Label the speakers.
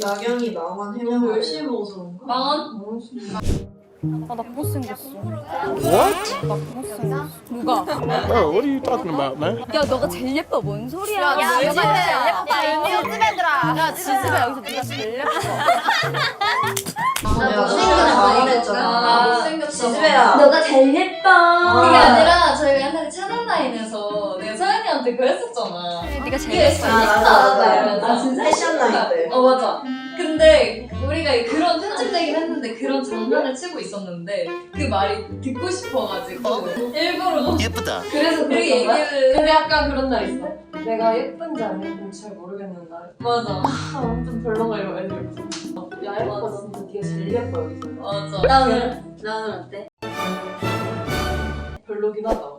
Speaker 1: 나경이 망원 해명
Speaker 2: 열심히 먹어서 그런가?
Speaker 3: 망원?
Speaker 4: 아, 나 못생겼어.
Speaker 5: What?
Speaker 4: 나 못생겼어. 누가?
Speaker 5: Bro, what are you talking about, man?
Speaker 4: 야, 너가 제일 예뻐. 뭔 소리야?
Speaker 6: 야,
Speaker 4: 너가
Speaker 6: 요즘에
Speaker 4: 제일 예뻐.
Speaker 6: 이미 요즘 애들아.
Speaker 4: 야, 지집애 여기서 네가 제일 예뻐.
Speaker 1: 내가
Speaker 2: 못생겼다
Speaker 1: 망원했잖아.
Speaker 2: 못생겼다.
Speaker 1: 지지배야.
Speaker 4: 너가 제일 예뻐.
Speaker 3: 그게 아니라 저희가 옛날에 채널라인에서 내가 서연이한테 그랬었잖아.
Speaker 4: 네가 제일
Speaker 3: 이게
Speaker 4: 예뻐.
Speaker 1: 아 진짜? 패션 나이 때.
Speaker 3: 맞아. 근데 우리가 그런 편집되긴 했는데 그런 장난을 치고 있었는데 그 말이 듣고 싶어가지고 일부러
Speaker 7: 예쁘다.
Speaker 3: 그래서 그
Speaker 2: 그런 거야?
Speaker 3: 얘기를
Speaker 2: 근데 약간 그런 날 있어. 내가 예쁜지 안 예쁜지 잘 모르겠는 날.
Speaker 3: 맞아
Speaker 2: 완전 별로가 이러고 애들 있어. 야 예뻐 진짜 네가 제일 예뻐 여기서.
Speaker 3: 맞아
Speaker 1: 나는 어때?
Speaker 2: 별로긴 하다.